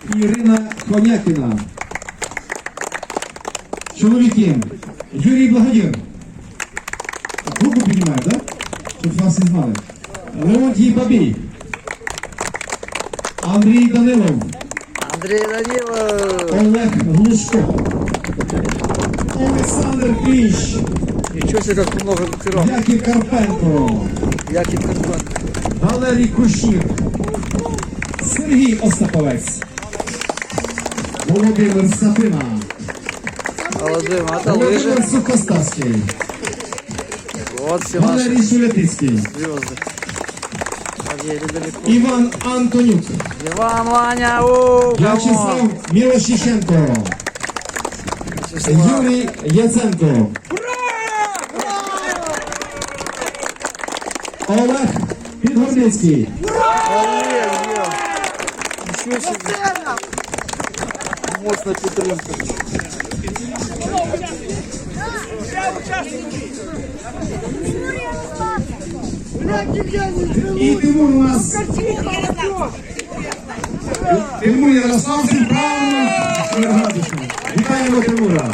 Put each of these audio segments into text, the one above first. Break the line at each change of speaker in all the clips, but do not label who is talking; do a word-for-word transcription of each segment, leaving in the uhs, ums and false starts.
і Ірина Конякіна. Чоловіки, Юрій Благодір. Руку піднімає, так? Щоб вас і знали. Леонтій Бабій. Андрій Данилов.
Андрій Данилов.
Олег Глушко. Олександр Кліщ.
Ничего себе, как много пирог.
Яків Карпенко.
Яків Карпенко.
Валерій Кущір. Сергій Остаповець. Володимир Сапина.
Володимир, это лыжи.
Володимир Сухоставський.
Вот все наши
Валерій Шулятицький.
звезды. Подъедем далеко.
Іван Антонюк.
Иван, Ваня, у,
В'ячеслав Мілошіченко. Юрій Яценко. Олег Підгорницький.
Ничего себе. Мощная підтримка.
І Тимур у нас. Тимур Ярославський, правильно. Вітаємо Тимура.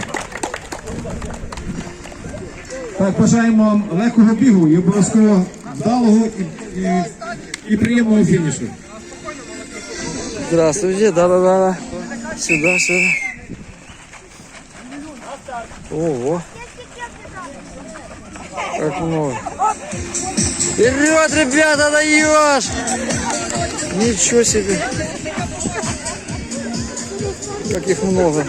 Так, бажаємо легкого бігу і обов'язково вдалого і, і, і приємного фінішу.
Здравствуйте, да-да-да. Сюда, сюда. Ого. Как много. Вперед, ребята, даешь! Ничего себе. Как их много.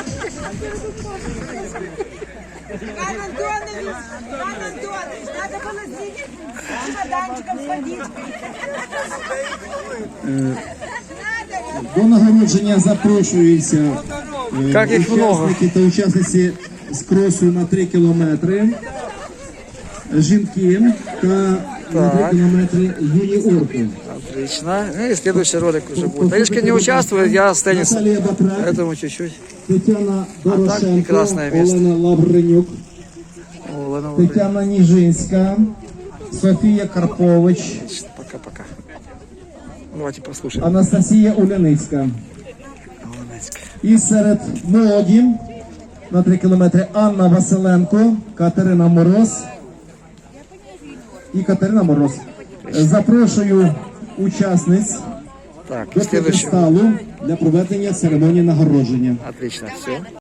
Иван Антонович, Иван Антонович, надо было здесь с чемоданчиком сходить.
До нагородження запрошуються е,
Как їх много.
учасники та учасниці з кросу на три кілометри, жінки та на три
Так.
кілометри юніорки.
Отлично. Ну и следующий ролик уже будет. Олежка не участвует, я с теннисом.
Наталія Батрак,
Поэтому чуть-чуть.
Тетяна Дорошенко,
прекрасне місце.
Олена Лавренюк,
О, ладно, ладно.
Тетяна Ніжинська, Софія Карпович,
Пока-пока. Давайте послушаем.
Анастасія Уляницька. І серед молоді на три кілометри Анна Василенко, Катерина Мороз і Катерина Мороз. Запрошую учасниць
Так,
до
следующий.
п'єдесталу для проведення церемонії нагородження.
Отлично, все.